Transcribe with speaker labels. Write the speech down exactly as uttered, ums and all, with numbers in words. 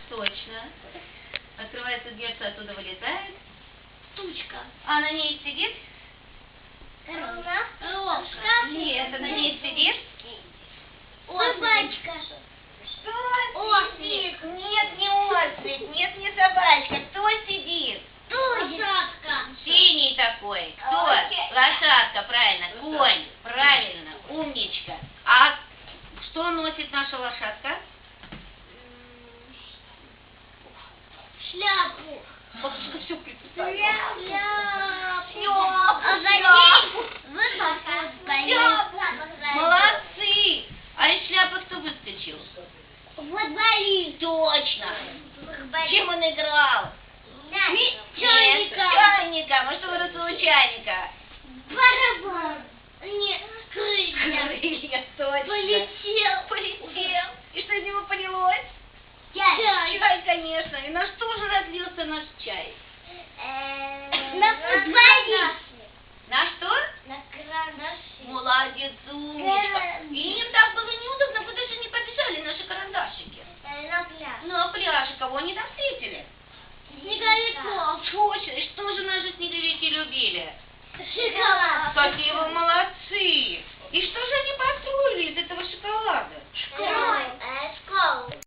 Speaker 1: точно. Открывается дверца, оттуда вылетает.
Speaker 2: Тучка.
Speaker 1: А на ней сидит?
Speaker 2: Коровка.
Speaker 1: Нет, а на ней сидит?
Speaker 2: Собачка.
Speaker 1: Что
Speaker 2: Ослик.
Speaker 1: сидит? Нет, не ослик, нет, не собачка. Кто сидит?
Speaker 2: Лошадка.
Speaker 1: Синий такой. Кто?
Speaker 2: Окей.
Speaker 1: Лошадка, правильно. Конь, правильно. Умничка. А что носит наша лошадка?
Speaker 2: Шляпу.
Speaker 1: Бабушка все представила.
Speaker 2: Шляпу.
Speaker 1: Шляпу,
Speaker 2: А за ней
Speaker 1: шляпу.
Speaker 2: высоко стоит.
Speaker 1: Шляпу. Молодцы. А из шляпы кто выскочил?
Speaker 2: Футболист.
Speaker 1: Точно. Чем он играл?
Speaker 2: Ми-
Speaker 1: Нет,
Speaker 2: Чайника.
Speaker 1: чайника. А что выросло у чайника?
Speaker 2: Барабан. Нет, крылья.
Speaker 1: Крылья, точно.
Speaker 2: Полетел.
Speaker 1: Полетел. И что из него полилось?
Speaker 2: Чай.
Speaker 1: Чай, конечно. И на что же разлился наш чай?
Speaker 2: На футболист.
Speaker 1: На что?
Speaker 2: На карандаше.
Speaker 1: Молодец, умничка.
Speaker 2: Карандаш.
Speaker 1: И им так было неудобно, потому что не побежали наши карандашики.
Speaker 2: На пляж.
Speaker 1: Ну, а пляж, кого они